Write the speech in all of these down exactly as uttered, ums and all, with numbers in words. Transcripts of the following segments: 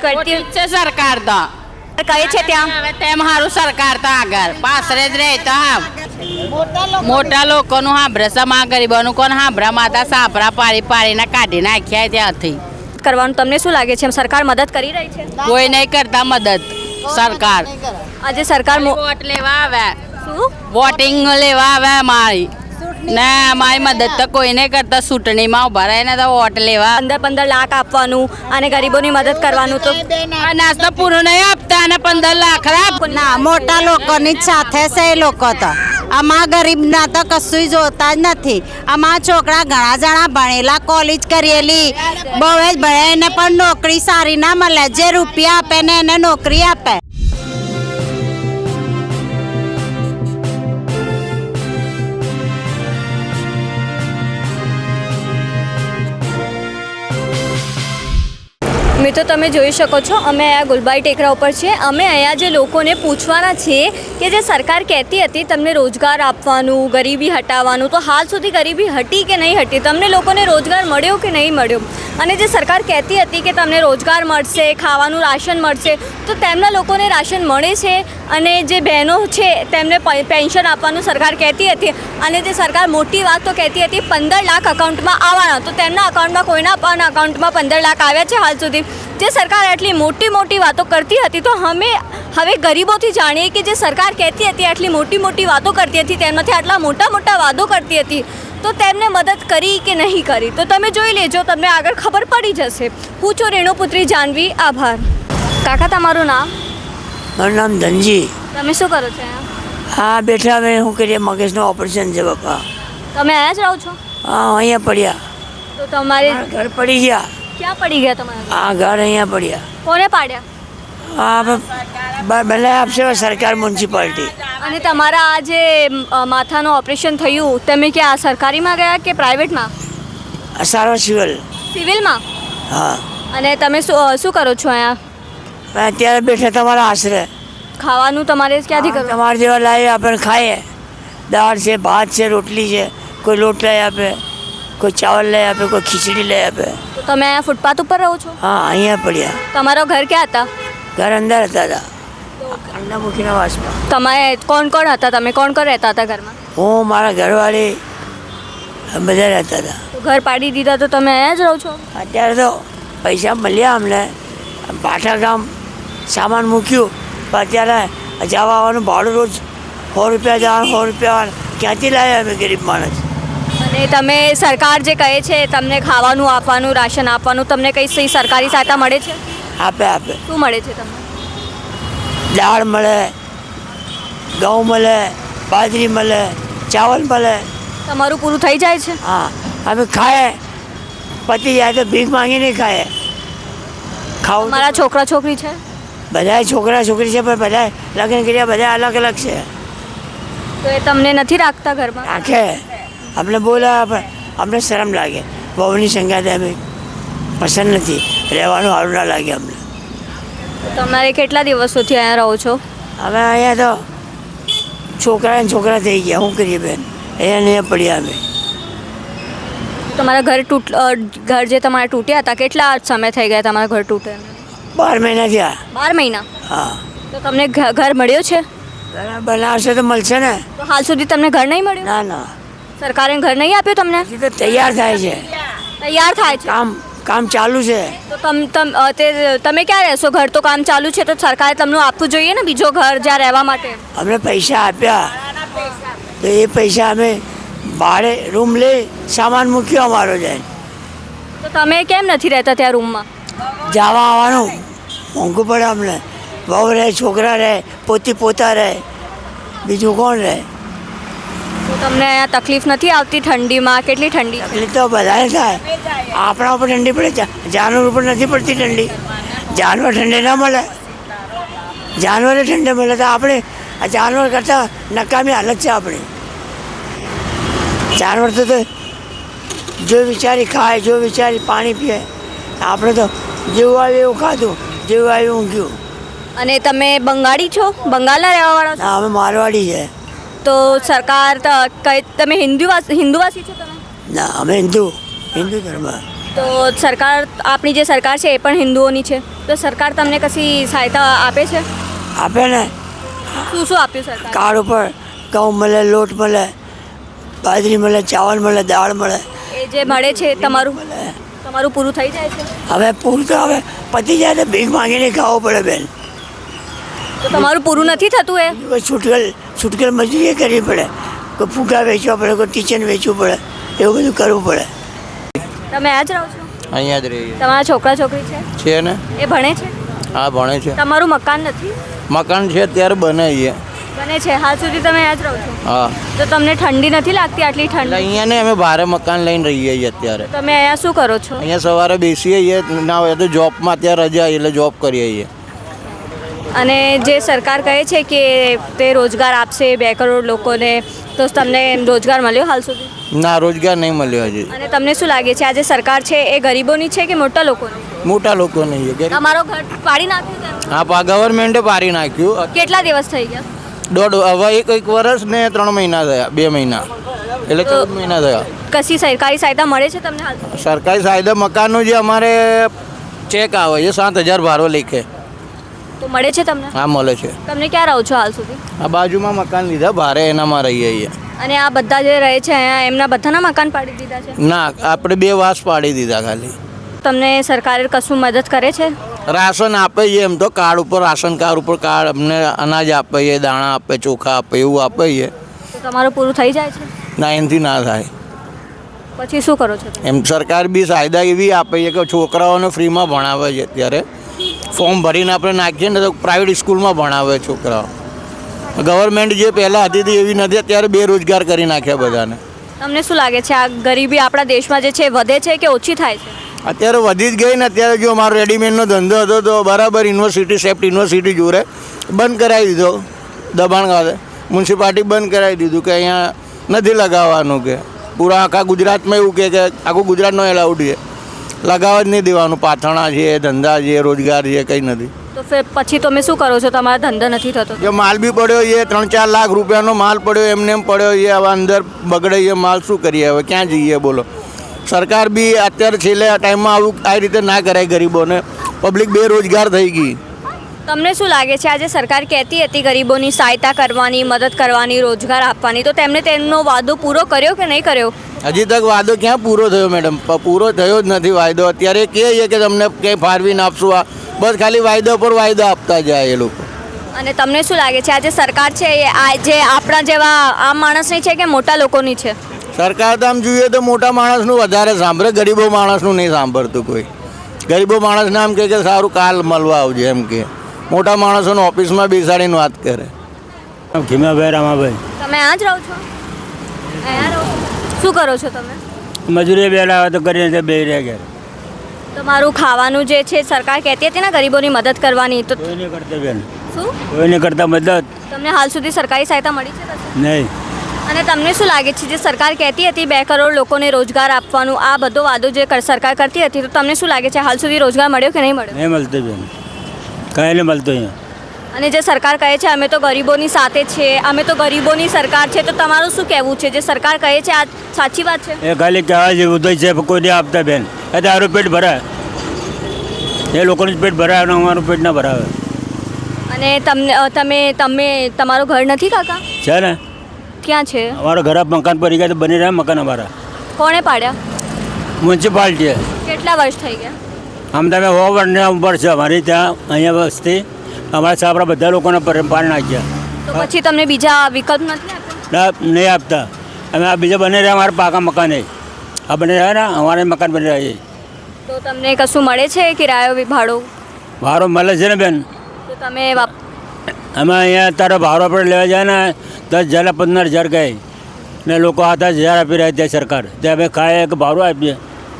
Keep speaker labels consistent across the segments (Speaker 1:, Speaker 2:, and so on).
Speaker 1: કરતી
Speaker 2: છે સરકાર તો
Speaker 1: કહે છે ત્યાં
Speaker 2: હવે તેમ સારું સરકાર તો આગળ પાસરે જ રહે તો હા મોટા લોકોનું હાંભરે સમા ગરીબોનું કોણ હાંભરા માતા સાપરા પાડી પાડીને કાઢી નાખ્યા ત્યાંથી
Speaker 1: કરવાનું તમને શું લાગે છે સરકાર મદદ કરી રહી છે?
Speaker 2: કોઈ નહીં કરતા મદદ સરકાર
Speaker 1: આજે સરકાર મો-
Speaker 2: વોટ લેવા આવે
Speaker 1: શું
Speaker 2: વોટિંગ લેવા આવે અમારી ને અમારી મદદ તો કોઈ નહીં કરતા ચૂંટણીમાં ઉભા રહીને તો વોટ લેવા
Speaker 1: પંદર પંદર લાખ આપવાનું અને ગરીબોની મદદ કરવાનું તો
Speaker 2: અનાજ તો પૂરું નહીં આપતા અને પંદર લાખ રાખ
Speaker 3: ના મોટા લોકોની જ સાથે છે એ લોકો તો આમાં ગરીબના તો કશું જોતા જ નથી. આમાં છોકરા ઘણા જણા ભણેલા કોલેજ કરેલી બહુ જ ભણે પણ નોકરી સારી ના મળે. જે રૂપિયા આપે ને એને નોકરી આપે.
Speaker 1: મિત્રો તમે જોઈ શકો છો અમે અહીંયા ગુલબાઈ ટેકરા ઉપર છીએ. અમે અહીંયા જે લોકોને પૂછવાના છીએ કે જે સરકાર કહેતી હતી તમને રોજગાર આપવાનું ગરીબી હટાવવાનું, તો હાલ સુધી ગરીબી હટી કે નહીં હટી? તમને લોકોને રોજગાર મળ્યો કે નહીં મળ્યો? અને જે સરકાર કહેતી હતી કે તમને રોજગાર મળશે, ખાવાનું રાશન મળશે, તો તેમના લોકોને રાશન મળે છે? અને જે બહેનો છે તેમને પેન્શન આપવાનું સરકાર કહેતી હતી, અને જે સરકાર મોટી વાત તો કહેતી હતી પંદર લાખ અકાઉન્ટમાં આવવાના, તો તેમના અકાઉન્ટમાં કોઈના પણ અકાઉન્ટમાં પંદર લાખ આવ્યા છે હાલ સુધી? જે સરકાર આટલી મોટી મોટી વાતો કરતી હતી, તો અમે હવે ગરીબોથી જાણીએ કે જે સરકાર કહેતી હતી આટલી મોટી મોટી વાતો કરતી હતી, તેમાંથી આટલા મોટા મોટા વાદો કરતી હતી, તો તેમને મદદ કરી કે નહીં કરી? તો તમે જોઈ લેજો, તમને આગળ ખબર પડી જશે. હું છું રેણુપુત્રી જાનવી. આભાર. કાકા તમારું નામ?
Speaker 4: મારું નામ ધનજી.
Speaker 1: તમે શું કરો છો અહીંયા?
Speaker 4: હા બેઠા હવે શું કરીએ, મગજનું ઓપરેશન છે બાપા.
Speaker 1: તમે અહીંયા જ રહો છો?
Speaker 4: હા અહીંયા પડ્યા.
Speaker 1: તો તમારે
Speaker 4: મારા ઘર પડી ગયા.
Speaker 1: ક્યાં પડી ગયા તમારા?
Speaker 4: આ ઘર અહીંયા પડ્યા.
Speaker 1: કોને પાડ્યા?
Speaker 4: હા બ- બનાવી આપશે સરકાર મ્યુનિસિપાલિટી.
Speaker 1: અને તમારા આ જે અ, માથાનું ઓપરેશન થયું, તમે ક્યાં સરકારીમાં ગયા કે પ્રાઇવેટમાં?
Speaker 4: આ સારો સિવિલ.
Speaker 1: સિવિલમાં?
Speaker 4: હા
Speaker 1: અને તમે શું શું કરો છો અહીંયા?
Speaker 4: મેં અત્યારે બેઠા તમારા આશરે.
Speaker 1: ખાવાનું તમારે ક્યાંથી કરવું?
Speaker 4: તમારા જેવા લાવી આપણે ખાઈએ. દાળ છે, ભાત છે, રોટલી છે, કોઈ લોટ લઈ આપે, કોઈ ચાવલ લઈ આપે, કોઈ ખીચડી લઈ આપે.
Speaker 1: તો તમે અહીંયા ફૂટપાથ ઉપર રહો છો?
Speaker 4: હા અહીંયા પડ્યા.
Speaker 1: તમારો ઘર ક્યાં હતા?
Speaker 4: ઘર અંદર હતા હતા અંડામુખીના વાસમાં.
Speaker 1: તમારે કોણ કોણ હતા? તમે કોણ કોણ રહેતા હતા ઘરમાં?
Speaker 4: હું મારા ઘરવાળી બધા રહેતા હતા.
Speaker 1: તો ઘર પાડી દીધા તો તમે અહીંયા જ રહો છો?
Speaker 4: અત્યારે તો પૈસા મળ્યા અમને, પાઠા ગામ સામાન મૂક્યું, પણ અત્યારે જવા આવવાનું ભાડું રોજ સો રૂપિયા જવાનું, સો રૂપિયા ક્યાંથી લાવ્યા અમે ગરીબ માણસ?
Speaker 1: અને તમે સરકાર જે કહે છે તમને ખાવાનું આપવાનું, રાશન આપવાનું, તમને કઈ સહી સરકારી સહાયતા મળે છે?
Speaker 4: આપે આપે
Speaker 1: શું મળે છે તમને?
Speaker 4: દાળ મળે, ઘઉં મળે, બાજરી મળે, ચાવલ મળે.
Speaker 1: તમારું પૂરું થઈ જાય છે?
Speaker 4: હા અમે ખાઈએ, પતી જાય તો ભીખ માંગીને ખાઈએ. ખાવું
Speaker 1: તમારા છોકરા છોકરી છે?
Speaker 4: બધા છોકરા છોકરી છે, પણ બધા લગ્ન કર્યા, બધા અલગ અલગ છે.
Speaker 1: તો એ તમને નથી રાખતા ઘરમાં?
Speaker 4: રાખે, અમને બોલાવે પણ અમને શરમ લાગે. બહુની સંગાતે અમે પસંદ નથી, રહેવાનું સારું ના લાગે અમને.
Speaker 1: તો તમારે કેટલા દિવસોથી અહીંયા રહો છો?
Speaker 4: અમે અહીંયા તો છોકરા ને છોકરા થઈ ગયા, શું કરીએ બેન? અહીંયા નહીં પડ્યા અમે.
Speaker 1: તમારા ઘર તૂટ અ, ઘર જે તમારા તૂટ્યા હતા, કેટલા સમય થઈ ગયા તમારા ઘર તૂટે?
Speaker 4: બાર મહિના થયા.
Speaker 1: બાર મહિના?
Speaker 4: હા
Speaker 1: તો તમને ઘ- ઘર મળ્યો છે?
Speaker 4: ઘર બનાવશે તો મળશે ને.
Speaker 1: તો હાલ સુધી તમને ઘર નહીં મળ્યું?
Speaker 4: ના ના,
Speaker 1: સરકારે ઘર નહીં આપ્યું તમને?
Speaker 4: હજી તો તૈયાર થાય છે,
Speaker 1: તૈયાર થાય છે?
Speaker 4: કામ કામ ચાલુ છે.
Speaker 1: તો તમ તમ અ, તે તમે ક્યાં રહેશો? ઘર તો કામ ચાલુ છે, તો સરકારે તમને આપવું જોઈએ ને બીજો ઘર જ્યાં રહેવા માટે.
Speaker 4: અમને પૈસા આપ્યા તો એ પૈસા અમે ભાડે રૂમ લઈ સામાન મૂક્યો અમારો જાય.
Speaker 1: તો તમે કેમ નથી રહેતા ત્યાં રૂમમાં?
Speaker 4: જવા આવવાનું મોંઘું પડે અમને. વહુ રહે, છોકરા રહે, પોતી પોતા રહે, બીજું કોણ રહે?
Speaker 1: તો તમને અહીંયા તકલીફ નથી આવતી ઠંડીમાં? કેટલી ઠંડી?
Speaker 4: તકલીફ તો બધાને થાય. આપણા ઉપર ઠંડી પડે, જા- જાનવર ઉપર નથી પડતી ઠંડી. જાનવર ઠંડી ના મળે, જાનવરે ઠંડી મળે તો આપણે આ જાનવર કરતાં નકામી હાલત છે આપણી. જાનવર તો તો જો વિચારી ખાય, જો વિચારી પાણી પીએ. આપણે તો જેવું આવ્યું એવું ખાધું, જેવું આવ્યું ઊંઘ્યું.
Speaker 1: અને તમે બંગાળી છો? બંગાળના રહેવાવાળા છો?
Speaker 4: ના અમે મારવાડી છે.
Speaker 1: તો સરકાર ત- કઈ તમે હિન્દુવાસી હિન્દુવાસી છો તમે?
Speaker 4: ના અમે હિન્દુ હિન્દુ ધર્મ.
Speaker 1: તો સરકાર આપણી જે સરકાર છે એ પણ હિન્દુઓની છે તો સરકાર તમને કશી સહાયતા આપે છે
Speaker 4: આપે ને
Speaker 1: શું શું આપ્યું સરકાર
Speaker 4: કાર્ડ ઉપર ઘઉં મળે, લોટ મળે, બાજરી મળે, ચાવલ મળે, દાળ મળે.
Speaker 1: એ જે મળે છે તમારું તમારું પૂરું થઈ જાય છે
Speaker 4: હવે પૂરું તો હવે પતી જાય તો ભીખ માંગીને ખાવું પડે બેન.
Speaker 1: તો તમારું પૂરું નથી થતું એ
Speaker 4: કોઈ છૂટકલ છૂટકલ મજૂરી કરવી પડે, કોઈ ફૂગા વેચવા પડે, કોઈ કિચન વેચવું પડે, એવું બધું કરવું પડે.
Speaker 1: તમે આ જ રહો છો
Speaker 5: અહીંયા જ રહીએ
Speaker 1: તમારા છોકરા છોકરી છે
Speaker 5: છે ને.
Speaker 1: એ ભણે છે
Speaker 5: હા ભણે છે.
Speaker 1: તમારું મકાન નથી
Speaker 5: મકાન છે અત્યારે બનાવીએ.
Speaker 1: બને છે હાલ સુધી તમે આ જ રહો છો
Speaker 5: હા
Speaker 1: તો તમને ઠંડી નથી લાગતી આટલી
Speaker 5: એટલે
Speaker 1: ઠંડી
Speaker 5: અહીંયા ને અમે ભારે મકાન લઈને રહીએ છીએ અત્યારે.
Speaker 1: તમે અહીંયા શું કરો છો
Speaker 5: અહીંયા સવારે બેસીએ છીએ, ના હોય તો જોબમાં અત્યારે રજા એટલે જોબ કરીએ છીએ.
Speaker 1: અને જે સરકાર કહે છે કે તે રોજગાર આપશે બે કરોડ લોકોને તો તમને રોજગાર મળ્યો હાલ સુધી
Speaker 5: ના રોજગાર નહીં મળ્યો હજી.
Speaker 1: અને તમને શું લાગે છે આ જે સરકાર છે એ ગરીબોની છે કે મોટા લોકોની
Speaker 5: મોટા લોકો નહીં છે.
Speaker 1: તમારો ઘર પાડી નાખ્યું તેમ?
Speaker 5: હા પા ગવર્મેન્ટે પાડી નાખ્યું.
Speaker 1: કેટલા દિવસ થઈ ગયા
Speaker 5: દોઢ હવે એક એક વર્ષ ને ત્રણ મહિના થયા, બે મહિના એટલે ચૌદ મહિના થયા.
Speaker 1: કશી સરકારી સહાયતા મળે છે તમને હાલ સુધી?
Speaker 5: સરકારી સાયદા મકાનનું જે અમારે ચેક આવે છે સાત હજાર ભાડો લેખે.
Speaker 1: તો મળે છે તમને
Speaker 5: હા મળે છે.
Speaker 1: તમને ક્યાં રહો છો હાલ સુધી
Speaker 5: આ બાજુમાં મકાન લીધા ભારે એનામાં રહીએ છીએ.
Speaker 1: અને આ બધા જે રહે છે અહીંયા એમના બધાના મકાન પાડી દીધા છે
Speaker 5: ના આપણે બે વાસ પાડી દીધા ખાલી.
Speaker 1: તમને સરકારે કશું મદદ કરે છે
Speaker 5: રાશન આપે છે એમ તો કાર્ડ ઉપર, રાશન કાર્ડ ઉપર કાર્ડ અમને અનાજ આપે છે, દાણા આપે, ચોખા આપે, એવું આપે છે.
Speaker 1: તો તમારું પૂરું થઈ જાય છે
Speaker 5: ના એનાથી ના થાય.
Speaker 1: પછી શું કરો છો તમે?
Speaker 5: એમ સરકાર બી સાયદા એવી આપે છે કે છોકરાઓને ફ્રીમાં ભણાવે છે. અત્યારે ફોર્મ ભરીને આપણે નાખીએ ને તો પ્રાઇવેટ સ્કૂલમાં ભણાવે છોકરાઓ. ગવર્મેન્ટ જે પહેલાં હતી તે એવી નથી, અત્યારે બેરોજગાર કરી નાખ્યા બધાને.
Speaker 1: તમને શું લાગે છે આ ગરીબી આપણા દેશમાં જે છે વધે છે કે ઓછી થાય છે
Speaker 5: અત્યારે વધી જ ગઈ ને. અત્યારે જો મારો રેડીમેડનો ધંધો હતો તો બરાબર યુનિવર્સિટી સેફ્ટ યુનિવર્સિટી જોડે બંધ કરાવી દીધો. દબાણ ખાતે મ્યુનિસિપાલિટી બંધ કરાવી દીધું કે અહીંયા નથી લગાવવાનું, કે પૂરા આખા ગુજરાતમાં એવું કે આખું ગુજરાતનો એલાઉડ છે, લગાવવા જ નહીં દેવાનું. પાથરણા છે, ધંધા છે, રોજગાર છે, કંઈ નથી.
Speaker 1: તો ફિર પછી તમે શું કરો છો તમારો ધંધો નથી થતો
Speaker 5: જો માલ બી પડ્યો છે, ત્રણ ચાર લાખ રૂપિયાનો માલ પડ્યો એમને એમ પડ્યો છે. હવે અંદર બગડે છે માલ, શું કરીએ હવે, ક્યાં જઈએ બોલો. સરકાર બી અત્યારે છેલ્લે ટાઈમમાં આવું આ રીતે ના કરાય ગરીબોને. પબ્લિક બેરોજગાર થઈ ગઈ.
Speaker 1: તમને શું લાગે છે આજે સરકાર કહેતી હતી ગરીબોની સહાયતા કરવાની, મદદ કરવાની, રોજગાર આપવાની, તો તેમણે તેમનો વાદો પૂરો કર્યો કે નહીં કર્યો?
Speaker 5: હજી તક વાયદો ક્યાં પૂરો થયો મેડમ? પ- પૂરો થયો જ નથી વાયદો. અત્યારે કહે છે કે તમને કંઈ ફાળવીને આપશું, આ બસ ખાલી વાયદો પર વાયદો આપતા જાય એ લોકો.
Speaker 1: અને તમને શું લાગે છે આજે સરકાર છે એ આ જે આપણા જેવા આમ માણસની છે કે મોટા લોકોની છે?
Speaker 5: સરકાર તો આમ જોઈએ તો મોટા માણસનું વધારે સાંભળે, ગરીબો માણસનું નહીં સાંભળતું કોઈ. ગરીબો માણસને આમ કહે કે સારું કાલ મળવા આવજે એમ કે. મોટા માણસોને ઓફિસમાં બેસાડીને વાત કરે.
Speaker 6: ખીમાભાઈ રામાભાઈ
Speaker 1: તમે આ જ રહો છો અહીંયા રહો છો? શું કરો છો તમે?
Speaker 6: મજૂરી બેલા આવે તો કરીને બે રહ્યા ગયા.
Speaker 1: તમારું ખાવાનું જે છે સરકાર કહેતી હતી ને ગરીબોની મદદ કરવાની, તો
Speaker 6: કોઈ નહીં કરતા બેન,
Speaker 1: શું
Speaker 6: કોઈ નહીં કરતા મદદ
Speaker 1: તમને હાલ સુધી સરકારી સહાયતા મળી છે કશે?
Speaker 6: નહીં.
Speaker 1: અને તમને શું લાગે છે જે સરકાર કહેતી હતી બે કરોડ લોકોને રોજગાર આપવાનું, આ બધો વાદો જે કર- સરકાર કરતી હતી, તો તમને શું લાગે છે હાલ સુધી રોજગાર મળ્યો કે નહીં મળ્યો?
Speaker 6: નહીં મળતું બેન, કાંઈ નહીં મળતું અહીંયા.
Speaker 1: અને જે સરકાર કહે છે અમે તો ગરીબોની સાથે છે, અમે તો ગરીબોની સરકાર છે, તો તમારું શું કહેવું છે? જે સરકાર કહે છે આ સાચી વાત છે?
Speaker 6: એ ખાલી કહેવા જેવું તો છે, કોઈ નહીં આપતા બેન. એ તારું પેટ ભરાય, એ લોકોનું જ પેટ ભરાય અને અમારું પેટ ના ભરાવે.
Speaker 1: અને તમને અ, તમે તમે તમારું ઘર નથી કાકા?
Speaker 6: છે ને,
Speaker 1: ક્યાં છે?
Speaker 6: અમારા ઘર મકાન પડી ગયા તો બની રહ્યા મકાન અમારા.
Speaker 1: કોણે પાડ્યા?
Speaker 6: મ્યુનિસિપાલિટીએ.
Speaker 1: કેટલા વર્ષ થઈ ગયા?
Speaker 6: આમ તમે હો વર્ષના ઉપર છે અમારી ત્યાં અહીંયા વસ્તી. અમારા સાપરા બધા લોકોને પર પાડી નાખ્યા.
Speaker 1: તો પછી તમને બીજા વિકલ્પ નથી આપ્યા?
Speaker 6: ના નહીં આપતા. અમે આ બીજા બની રહ્યા અમારા પાકા મકાને. આ બની રહ્યા ને અમારે મકાન બની રહ્યા છે.
Speaker 1: તો તમને કશું મળે છે કિરાયો ભાડો?
Speaker 6: ભાડો મળે છે ને બેન.
Speaker 1: તો તમે વાપ
Speaker 6: અમે અહીંયા અત્યારે ભાડો આપણે લેવા જાય ને દસ હજાર પંદર હજાર કહે ને લોકો આઠ હજાર આપી રહ્યા ત્યાં સરકાર. ત્યાં અમે ખાઈએ કે ભાડું આપીએ.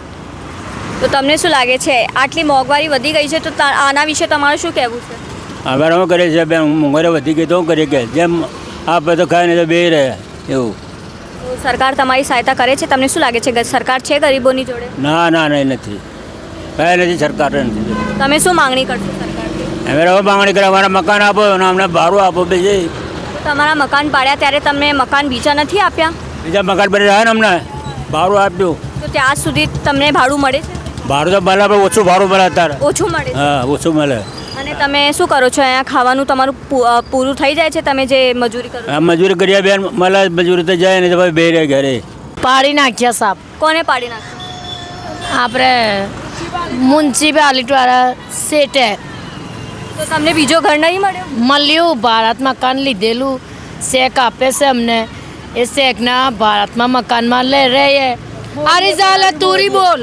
Speaker 1: તો તમને શું લાગે છે આટલી મોંઘવારી વધી ગઈ છે, તો તા- આના વિશે તમારું શું કહેવું છે?
Speaker 6: અમે શું કરીએ છીએ બેન, મોંઘવારી વધી ગઈ તો શું કરીએ કે જેમ આપે તો ખાઈને તો બે રહ્યા એવું.
Speaker 1: તો સરકાર તમારી સહાયતા કરે છે? તમને શું લાગે છે ગ- સરકાર છે ગરીબોની જોડે?
Speaker 6: ના ના નહીં નથી, કાંઈ નથી, સરકાર નથી.
Speaker 1: તમે શું માંગણી કરશો સરકારથી?
Speaker 6: અમે રહો માંગણી કરે અમારા મકાન આપો અને અમને ભાડું આપો બીજે.
Speaker 1: તો તમારા મકાન પાડ્યા ત્યારે તમને મકાન બીજા નથી આપ્યા?
Speaker 6: બીજા મકાન બની રહ્યા ને અમને ભાડું આપ્યું.
Speaker 1: તો ત્યાં સુધી તમને ભાડું મળે છે?
Speaker 6: ભાડું તો મળે પણ ઓછું ભાડું મળે અત્યારે
Speaker 1: ઓછું મળે છે
Speaker 6: હા ઓછું મળે
Speaker 1: અને તમે શું કરો છો અહીંયા ખાવાનું તમારું પૂ- અ, પૂરું થઈ જાય છે તમે જે મજૂરી કરો છો?
Speaker 6: આ મજૂરી કર્યા બેન મળે મજૂરી તો જાય ને તો ભાઈ બે રહે ઘરે
Speaker 7: પાડી નાખ્યા સાપ
Speaker 1: કોને પાડી નાખ્યું?
Speaker 7: આપણે મ્યુનિસિપાલિટી વાળા સેટે
Speaker 1: તો તમને બીજો ઘર નહીં મળ્યો?
Speaker 7: મળ્યું ભારત મકાન લીધેલું શેક આપે છે અમને એ શેકના ભારતમાં મકાનમાં લઈ રહીએ આરી ચાલે તુરી બોલ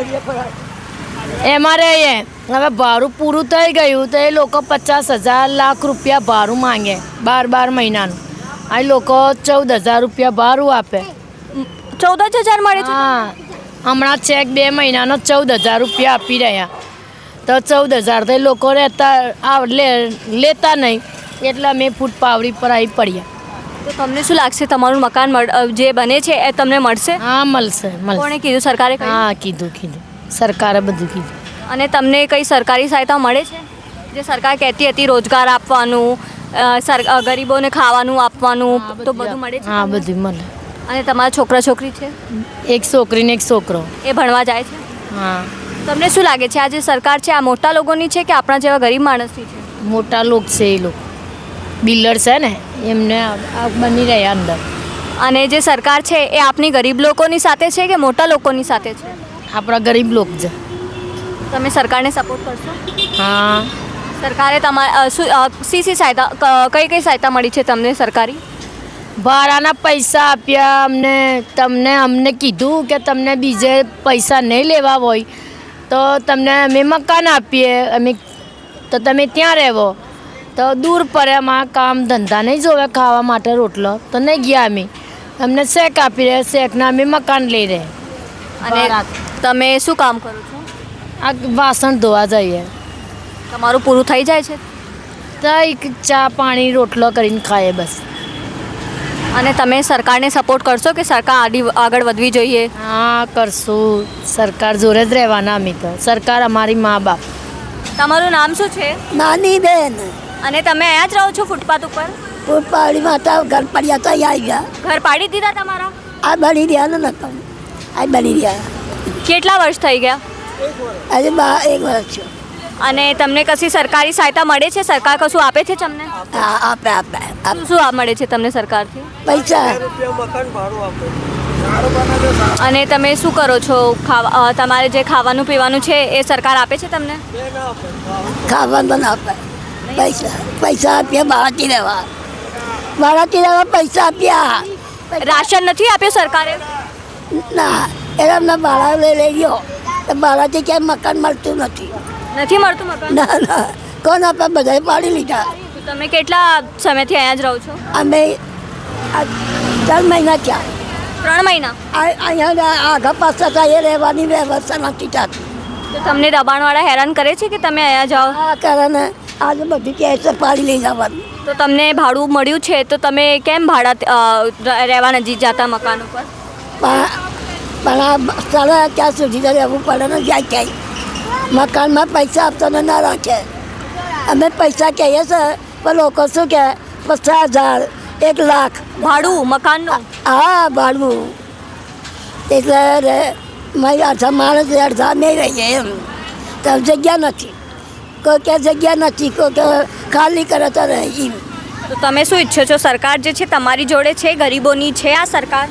Speaker 7: એમાં રહીએ હવે ભાડું પૂરું થઈ ગયું તો એ લોકો પચાસ હજાર લાખ રૂપિયા ભાડું માંગે બાર બાર મહિનાનું આ લોકો ચૌદ હજાર રૂપિયા ભાડું આપે
Speaker 1: ચૌદ જ હજાર મળે છે?
Speaker 7: હા હમણાં ચેક બે મહિનાનો ચૌદ હજાર રૂપિયા આપી રહ્યા તો ચૌદ હજાર તો એ લોકો રહેતા આ લે લેતા નહીં એટલે અમે ફૂટ પાવડી પર આવી પડ્યા
Speaker 1: તો તમને શું લાગશે તમારું મકાન મળ- અ, જે બને છે એ તમને મળશે?
Speaker 7: હા મળશે મળશે
Speaker 1: કોણે કીધું? સરકારે કહ્યું?
Speaker 7: હા કીધું કીધું સરકારે બધું કીધું
Speaker 1: અને તમને કઈ સરકારી સહાયતા મળે છે? જે સરકાર કહેતી હતી રોજગાર આપવાનું, અ, સર અ, ગરીબોને ખાવાનું આપવાનું, તો બધું મળે છે
Speaker 7: હા
Speaker 1: તમને?
Speaker 7: બધું મળે
Speaker 1: અને તમારા છોકરા છોકરી છે
Speaker 7: એક છોકરી ને એક છોકરો
Speaker 1: એ ભણવા જાય છે?
Speaker 7: હા
Speaker 1: તમને શું લાગે છે આ જે સરકાર છે આ મોટા લોકોની છે કે આપણા જેવા ગરીબ માણસની છે?
Speaker 7: મોટા લોકો છે એ લોકો બિલ્ડર છે ને એમને આ આ બની રહ્યા અંદર
Speaker 1: અને જે સરકાર છે એ આપની ગરીબ લોકોની સાથે છે કે મોટા લોકોની સાથે છે?
Speaker 7: આપણા ગરીબ લોકો છે
Speaker 1: તમે સરકારને સપોર્ટ કરશો?
Speaker 7: હા
Speaker 1: સરકારે તમારા શું અ, શી શી સહાયતા ક- કઈ કઈ સહાયતા મળી છે તમને સરકારી?
Speaker 7: ભાડાના પૈસા આપ્યા અમને તમને અમને કીધું કે તમને બીજે પૈસા નહીં લેવા હોય તો તમને અમે મકાન આપીએ અમે તો તમે ત્યાં રહેવો તો દૂર પડે અમારા કામ ધંધા નહીં જોવે ખાવા માટે રોટલો તો નહીં ગયા અમે અમને શેક આપી રહ્યા શેકના અમે મકાન લઈ રહ્યા
Speaker 1: અને
Speaker 7: ભાડા.
Speaker 1: તમે શું કામ કરો છો?
Speaker 7: આ વાસણ ધોવા જઈએ
Speaker 1: તમારું પૂરું થઈ જાય છે?
Speaker 7: તો એક ચા પાણી રોટલો કરીને ખાઈએ બસ
Speaker 1: અને તમે સરકારને સપોર્ટ કરશો કે સરકાર આડી આગળ વધવી જોઈએ?
Speaker 7: હા કરશું સરકાર જોડે જ રહેવાના અમે તો સરકાર અમારી મા બાપ
Speaker 1: તમારું નામ શું છે?
Speaker 8: નાની બેન
Speaker 1: અને તમે અહીંયા જ રહો છો ફૂટપાથ ઉપર?
Speaker 8: ફૂટપાડી માતા ઘર પડ્યા તો અહીં આવી ગયા
Speaker 1: ઘર પાડી દીધા તમારા?
Speaker 8: આ બની રહ્યા ને નકમ આ બની રહ્યા
Speaker 1: કેટલા વર્ષ થઈ ગયા?
Speaker 8: આજે બા એક વર્ષ થયો
Speaker 1: અને તમને કશી સરકારી સહાયતા મળે છે? સરકાર કશું આપે છે તમને?
Speaker 8: હા આપે આપે આપે
Speaker 1: શું શું આ મળે છે તમને સરકારથી?
Speaker 8: પૈસા
Speaker 1: અને તમે શું કરો છો? ખાવા અ, તમારે જે ખાવાનું પીવાનું છે એ સરકાર આપે છે તમને?
Speaker 8: ખાવાનું પણ આપે પૈસા પૈસા આપ્યા બાળાથી રહેવા બાળાથી રહેવા પૈસા આપ્યા
Speaker 1: રાશન નથી આપ્યું સરકારે?
Speaker 8: ના એટલે અમને બાળા લઈ લઈ ગયો તો બાળાથી ક્યાંય મકાન મળતું નથી
Speaker 1: નથી મળતું મકાન?
Speaker 8: ના ના કોણ આપે બધાએ પાડી લીધા
Speaker 1: તો તમે કેટલા સમયથી અહીંયા જ રહો છો?
Speaker 8: અમે આ ત્રણ મહિના થયા
Speaker 1: ત્રણ મહિના?
Speaker 8: આ- અહીંયા આગા પાછા થાય એ રહેવાની વ્યવસ્થા નથી થતી
Speaker 1: તો તમને દબાણવાળા હેરાન કરે છે કે તમે અહીંયા જાઓ?
Speaker 8: આ કારણે આજે બધી કેસ પાડી લઈ જવાનું
Speaker 1: તો તમને ભાડું મળ્યું છે તો તમે કેમ ભાડા અ, રહેવા નથી જતા મકાન ઉપર?
Speaker 8: પણ પણ આ સાડા ત્યાં સુધી તો રહેવું પડે ને જાય ક્યાંય મકાનમાં પૈસા આપતો ને ના રાખે અમે પૈસા કહીએ છે પણ લોકો શું કહે પચાસ હજાર એક લાખ
Speaker 1: ભાડું મકાનનું?
Speaker 8: હા ભાડવું એટલે રે મારી અડધા માણસ અડધા નહીં રહીએ એમ તો જગ્યા નથી કોઈ કે જગ્યા નથી કોઈ કે ખાલી કરે તો રહે એમ
Speaker 1: તો તમે શું ઈચ્છો છો? સરકાર જે છે તમારી જોડે છે? ગરીબોની છે આ સરકાર?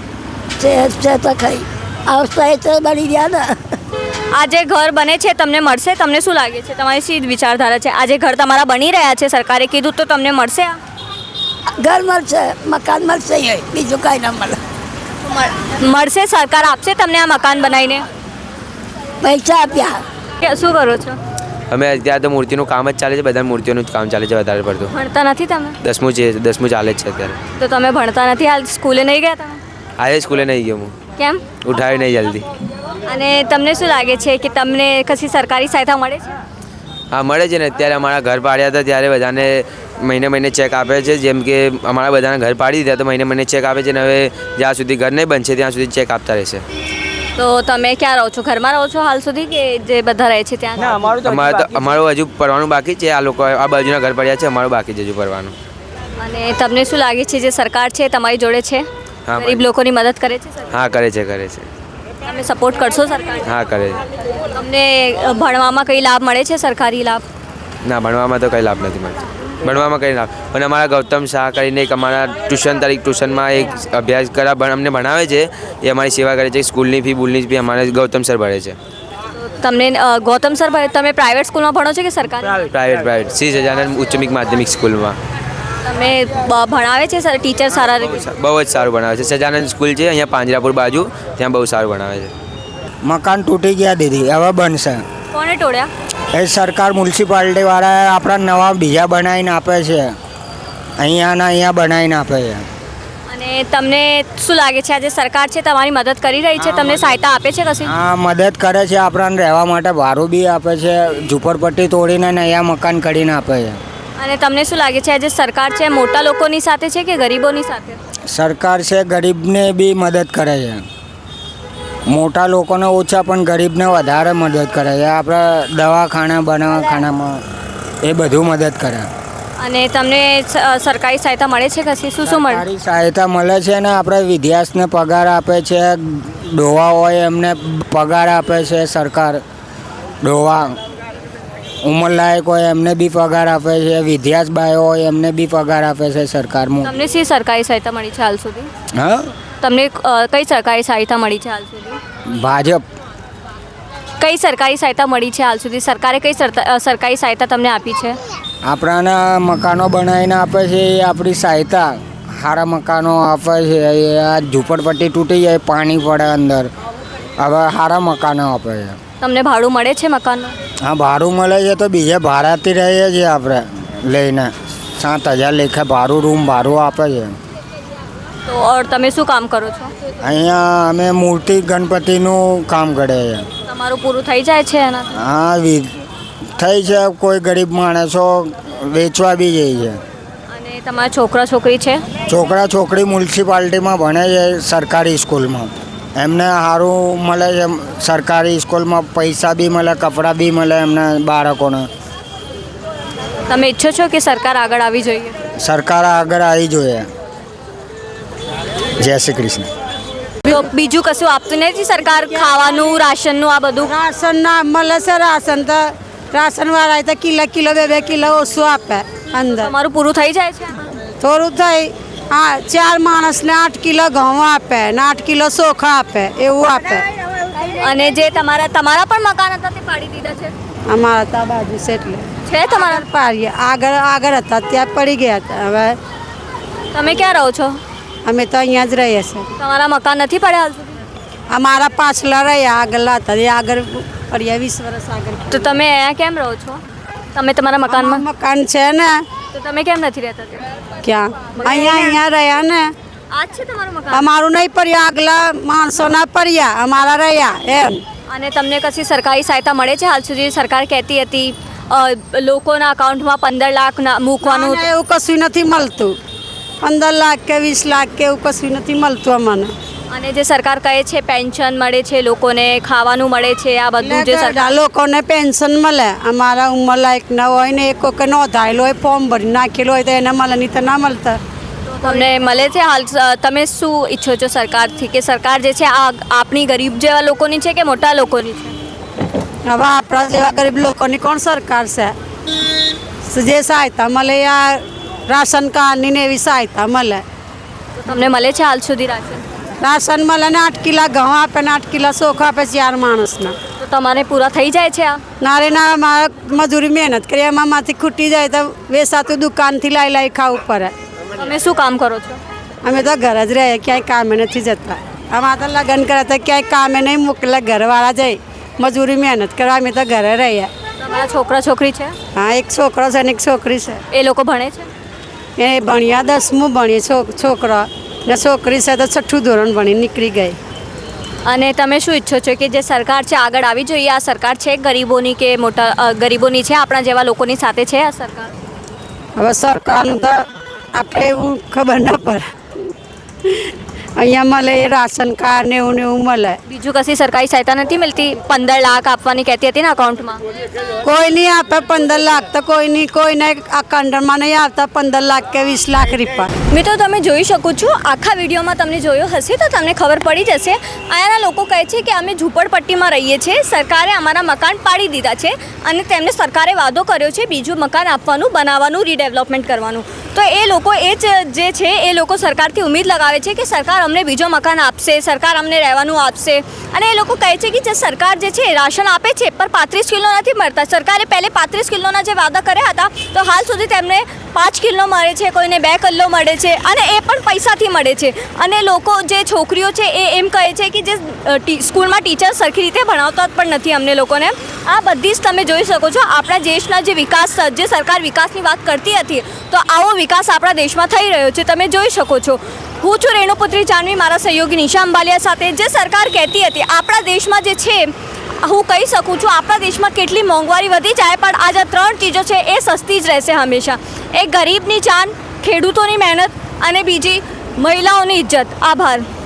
Speaker 8: છે છે તો ખરી આવતા એ તો બની ગયા ને
Speaker 1: આ જે ઘર બને છે તમને મળશે? તમને શું લાગે છે? તમારી શી વિચારધારા છે? આ જે ઘર તમારા બની રહ્યા છે સરકારે કીધું તો તમને મળશે આ?
Speaker 8: ઘર મળશે મકાન મળશે એ બીજું કાંઈ ના મળે
Speaker 1: મળ- મળશે? સરકાર આપશે તમને આ મકાન બનાવીને?
Speaker 8: પૈસા આપ્યા
Speaker 1: કે શું કરો છો?
Speaker 9: અમે અત્યારે તો મૂર્તિનું કામ જ ચાલે છે બધા મૂર્તિઓનું જ કામ ચાલે છે વધારે પડતું
Speaker 1: ભણતા નથી તમે?
Speaker 9: દસમું છે દસમું ચાલે જ છે અત્યારે
Speaker 1: તો તમે ભણતા નથી? હાલ સ્કૂલે નહીં ગયા તમે?
Speaker 9: આજે સ્કૂલે નહીં ગયો હું
Speaker 1: કેમ?
Speaker 9: ઉઠાવી નહીં જલ્દી
Speaker 1: અને તમને શું લાગે છે કે તમને કશી સરકારી સહાયતા મળે છે?
Speaker 9: હા મળે છે ને અત્યારે અમારા ઘર પાડ્યા હતા ત્યારે બધાને મહિને મહિને ચેક આપે છે જેમ કે અમારા બધાના ઘર પાડી દીધા તો મહિને મહિને ચેક આપે છે ને હવે જ્યાં સુધી ઘર નહીં બનશે ત્યાં સુધી ચેક આપતા રહેશે
Speaker 1: તો તમે ક્યાં રહો છો? ઘરમાં રહો છો હાલ સુધી કે જે બધા રહે છે ત્યાં?
Speaker 9: અમારે તો અમારું હજુ પડવાનું બાકી છે આ લોકો આ બાજુના ઘર પડ્યા છે અમારું બાકી છે હજુ પડવાનું
Speaker 1: અને તમને શું લાગે છે જે સરકાર છે તમારી જોડે છે?
Speaker 9: હા,
Speaker 1: ગરીબ લોકોની મદદ કરે છે સરકાર?
Speaker 9: હા કરે છે કરે છે
Speaker 1: તમે સપોર્ટ કરશો સરકાર?
Speaker 9: હા કરે.
Speaker 1: તમને અ, ભણવામાં કઈ લાભ મળે છે, સરકારી લાભ?
Speaker 9: ના, ભણવામાં તો કંઈ લાભ નથી મળતો. ભણવામાં કંઈ લાભ પણ અમારા ગૌતમ શાહ કરીને એક અમારા ટ્યુશન તરીકે ટ્યુશનમાં એક અભ્યાસ કરા ભણ- અમને ભણાવે છે, એ અમારી સેવા કરે છે. સ્કૂલની ફી બુલની ફી અમારે ગૌતમ સર ભરે છે.
Speaker 1: તમને અ, ગૌતમ સર ભાઈ, તમે પ્રાઇવેટ સ્કૂલમાં ભણો છો કે સરકારી?
Speaker 9: પ્રાઇવેટ પ્રાઇવેટ શ્રી સજાનંદ ઉચ્ચમિક માધ્યમિક સ્કૂલમાં.
Speaker 1: તમે બ- ભણાવે છે સર, ટીચર સારા રીતે?
Speaker 9: બહુ જ સારું ભણાવે છે. સજાનંદ સ્કૂલ છે અહીંયા પાંજરાપુર બાજુ, ત્યાં બહુ સારું ભણાવે છે.
Speaker 10: મકાન તૂટી ગયા દીદી, હવે બનશે.
Speaker 1: કોને તોડ્યા?
Speaker 10: એ સરકાર મ્યુનિસિપાલિટીવાળા આપણા નવા બીજા બનાવીને આપે છે, અહીંયાના અહીંયા બનાવીને આપે છે.
Speaker 1: અને તમને શું લાગે છે આજે સરકાર છે તમારી મદદ કરી રહી છે, તમને સહાયતા આપે છે કશી?
Speaker 10: હા, મદદ કરે છે, આપણાને રહેવા માટે ભાડું બી આપે છે, ઝૂંપડપટ્ટી તોડીને ને અહીંયા મકાન કરીને આપે છે.
Speaker 1: અને તમને શું લાગે છે આજે સરકાર છે મોટા લોકોની સાથે છે કે ગરીબોની સાથે?
Speaker 10: સરકાર છે ગરીબને બી મદદ કરે છે, મોટા લોકોને ઓછા પણ ગરીબને વધારે મદદ કરે છે. આપણે દવાખાના બનાવખાનામાં એ બધું મદદ કરે.
Speaker 1: અને તમને સ- સરકારી સહાયતા મળે છે કશી? શું શું મળે?
Speaker 10: સરકારી સહાયતા મળે છે ને આપણે વિદ્યાર્થીને પગાર આપે છે, ડોવા હોય એમને પગાર આપે છે સરકાર, ડોવા ઉંમરલાયક હોય એમને બી પગાર આપે છે, વિદ્યાર્થી બાયો હોય એમને બી પગાર આપે છે સરકાર.
Speaker 1: તમને શી સરકારી સહાયતા મળી છે હાલ સુધી?
Speaker 10: હા,
Speaker 1: તમને અ, કઈ સરકારી સહાયતા મળી છે હાલ સુધી?
Speaker 10: ભાજપ.
Speaker 1: કઈ સરકારી સહાયતા મળી છે હાલ સુધી? સરકારે કઈ સરતા- અ, સરકારી સહાયતા તમને આપી છે?
Speaker 10: આપણાને મકાનો બનાવીને આપે છે, એ આપણી સહાયતા. સારા મકાનો આપે છે, એ આ ઝૂંપડપટ્ટી તૂટી જાય, પાણી પડે અંદર, હવે સારા મકાનો આપે છે.
Speaker 1: તમને ભાડું મળે છે મકાનનું?
Speaker 10: હા, ભાડું મળે છે તો બીજે ભાડાથી રહીએ છીએ આપણે લઈને, સાત હજાર લેખે ભાડું, રૂમ ભાડું આપે છે.
Speaker 1: તો ઓર તમે શું કામ કરો છો?
Speaker 10: અહીંયા અમે મૂર્તિ ગણપતિનું કામ કરીએ છીએ.
Speaker 1: તમારું પૂરું થઈ જાય છે એના?
Speaker 10: હા, વિ- થઈ છે, કોઈ ગરીબ માણસો વેચવા બી જાય છે.
Speaker 1: અને તમારા છોકરા છોકરી છે?
Speaker 10: છોકરા છોકરી મ્યુનિસિપાલિટીમાં ભણે છે સરકારી સ્કૂલમાં, એમને સારું મળે છે. સરકારી સ્કૂલમાં પૈસા બી મળે, કપડાં બી મળે એમના બાળકોને.
Speaker 1: તમે ઈચ્છો છો કે સરકાર આગળ આવી જોઈએ?
Speaker 10: સરકાર આગળ આવી જોઈએ. જય શ્રી કૃષ્ણ.
Speaker 1: તો બીજું કશું આપતું નથી સરકાર? ખાવાનું, રાશનનું આ બધું?
Speaker 3: રાશન ના મળે છે, રાશન તો રાશનવાળા તો કિલો કિલો બે બે કિલો ઓછું આપે અંદર.
Speaker 1: તમારું પૂરું થઈ જાય છે?
Speaker 3: થોડું થઈ, હા, ચાર માણસને આઠ કિલો ઘઉં આપે ને આઠ કિલો ચોખા આપે, એવું આપે.
Speaker 1: અને જે તમારા તમારા પણ મકાન હતા તે પાડી દીધા છે?
Speaker 3: અમારા તો આ બાજુ છે એટલે
Speaker 1: છે તમારા?
Speaker 3: પાડીએ, આગળ આગળ હતા ત્યાં પડી ગયા હતા. હવે
Speaker 1: તમે ક્યાં રહો છો?
Speaker 3: અમે તો અહીંયા જ રહીએ છીએ.
Speaker 1: તમારા મકાન નથી પડ્યા હાલ સુધી?
Speaker 3: અમારા પાછલા રહ્યા, આગળ હતા એ આગળ પડ્યા, વીસ વર્ષ આગળ.
Speaker 1: તો તમે અહીંયા કેમ રહો છો? તમે તમારા મકાનમાં?
Speaker 3: મકાન છે ને,
Speaker 1: તો તમે કેમ નથી રહેતા ત્યાં?
Speaker 3: ક્યાં? અહીંયા અહીંયા રહ્યા ને.
Speaker 1: આ જ છે તમારું મકાન?
Speaker 3: અમારું નહીં પડ્યા, આગલા માણસોના પડ્યા, અમારા રહ્યા એમ.
Speaker 1: અને તમને કશી સરકારી સહાયતા મળે છે હાલ સુધી? સરકાર કહેતી હતી અ, લોકોના અકાઉન્ટમાં પંદર લાખ ના- મૂકવાનું.
Speaker 3: ના, એવું કશું નથી મળતું. પંદર લાખ કે વીસ લાખ કે એવું કશું નથી મળતું અમને.
Speaker 1: અને જે સરકાર કહે છે પેન્શન મળે છે લોકોને, ખાવાનું મળે છે, આ બધું જે સરકાર
Speaker 3: આ લોકોને પેન્શન મળે, અમારા ઉંમર લાયક ના હોય ને, એક વખત નોંધાયેલો હોય, ફોર્મ ભરી નાખેલો હોય તો એને મળે, નહીં તો ના મળતા.
Speaker 1: તમને મળે છે હાલ? તમે શું ઈચ્છો છો સરકારથી કે સરકાર જે છે આ આપણી ગરીબ જેવા લોકોની છે કે મોટા લોકોની છે?
Speaker 3: હવે આપણા જેવા ગરીબ લોકોની કોણ સરકાર છે? જે સહાયતા મળે આ રાશન કાર્ડની ને એવી સહાયતા મળે.
Speaker 1: તો તમને મળે છે હાલ સુધી રાશન?
Speaker 3: રાશન મળે ને આઠ કિલા ઘઉં આપે ને આઠ કિલા ચોખા આપે ચાર માણસના.
Speaker 1: તો તમારે પૂરા થઈ જાય છે આ?
Speaker 3: નારે ના, મારે મજૂરી મહેનત કરી, એમાં માંથી ખૂટી જાય તો વેસાતું દુકાનથી લાવી લાવી ખાવું પડે.
Speaker 1: તમે શું કામ કરો છો?
Speaker 3: અમે તો ઘર જ રહીએ, ક્યાંય કામે નથી જતા. અમારે તો લગ્ન કરે તો ક્યાંય કામે નહીં મોકલે, ઘરવાળા જાય મજૂરી મહેનત કરવા, અમે તો ઘરે રહીએ.
Speaker 1: તમારા છોકરા છોકરી છે?
Speaker 3: હા, એક છોકરો છે ને એક છોકરી છે.
Speaker 1: એ લોકો ભણે છે?
Speaker 3: એ ભણ્યા દસમું ભણીએ છોકરો, ને છોકરી છે તો છઠ્ઠું ધોરણ ભણી નીકળી ગઈ.
Speaker 1: અને તમે શું ઈચ્છો છો કે જે સરકાર છે આગળ આવી જોઈએ? આ સરકાર છે ગરીબોની કે મોટા અ, ગરીબોની છે, આપણા જેવા લોકોની સાથે છે આ સરકાર?
Speaker 3: હવે સરકારનું તો આપણે એવું ખબર ના પડે. અહીંયા મળે એ રાશન કાર્ડ ને એવું ને એવું મળે.
Speaker 1: બીજું કશી સરકારી સહાયતા નથી મળતી? પંદર લાખ આપવાની કહેતી હતી ને અકાઉન્ટમાં.
Speaker 3: કોઈ નહીં આપે પંદર લાખ તો કોઈ નહીં, કોઈને આ કંડરમાં નહીં આવતા પંદર લાખ કે વીસ લાખ રૂપિયા.
Speaker 1: મિત્રો તમે જોઈ શકો છો, આખા વિડીયોમાં તમને જોયો હશે તો તમને ખબર પડી જશે. અહીંયાના લોકો કહે છે કે અમે ઝૂંપડપટ્ટીમાં રહીએ છીએ, સરકારે અમારા મકાન પાડી દીધા છે અને તેમને સરકારે વાદો કર્યો છે બીજું મકાન આપવાનું, બનાવવાનું, રીડેવલપમેન્ટ કરવાનું. તો એ લોકો એ જ જે છે એ લોકો સરકારથી ઉમ્મીદ લગાવે છે કે સરકાર અમને બીજો મકાન આપશે, સરકાર અમને રહેવાનું આપશે. અને એ લોકો કહે છે કે જે સરકાર જે છે રાશન આપે છે પણ પાંત્રીસ કિલો નથી મળતા. સરકારે પહેલે પાંત્રીસ કિલોના જે વાદા કર્યા હતા તો હાલ સુધી તેમને પાંચ કિલો મળે છે, કોઈને બે કિલો મળે છે અને એ પણ પૈસાથી મળે છે. અને લોકો જે છોકરીઓ છે એ એમ કહે છે કે જે સ્કૂલમાં ટીચર સરખી રીતે ભણાવતા પણ નથી અમને લોકોને. આ બધી જ તમે જોઈ શકો છો આપણા દેશના જે વિકાસ, જે સરકાર વિકાસની વાત કરતી હતી તો આવો વિકાસ આપણા દેશમાં થઈ રહ્યો છે, તમે જોઈ શકો છો. હું છું રેણુપુત્રી જાનવી, મારા સહયોગી નિશા અંબાલિયા સાથે. જે સરકાર કહેતી હતી આપણા દેશમાં જે છે, હું કહી શકું છું આપણા દેશમાં કેટલી મોંઘવારી વધી જાય પણ આ જે ત્રણ ચીજો છે એ સસ્તી જ રહેશે હંમેશા. એક ગરીબની જાન, ખેડૂતોની મહેનત અને બીજી મહિલાઓની ઇજ્જત. આભાર.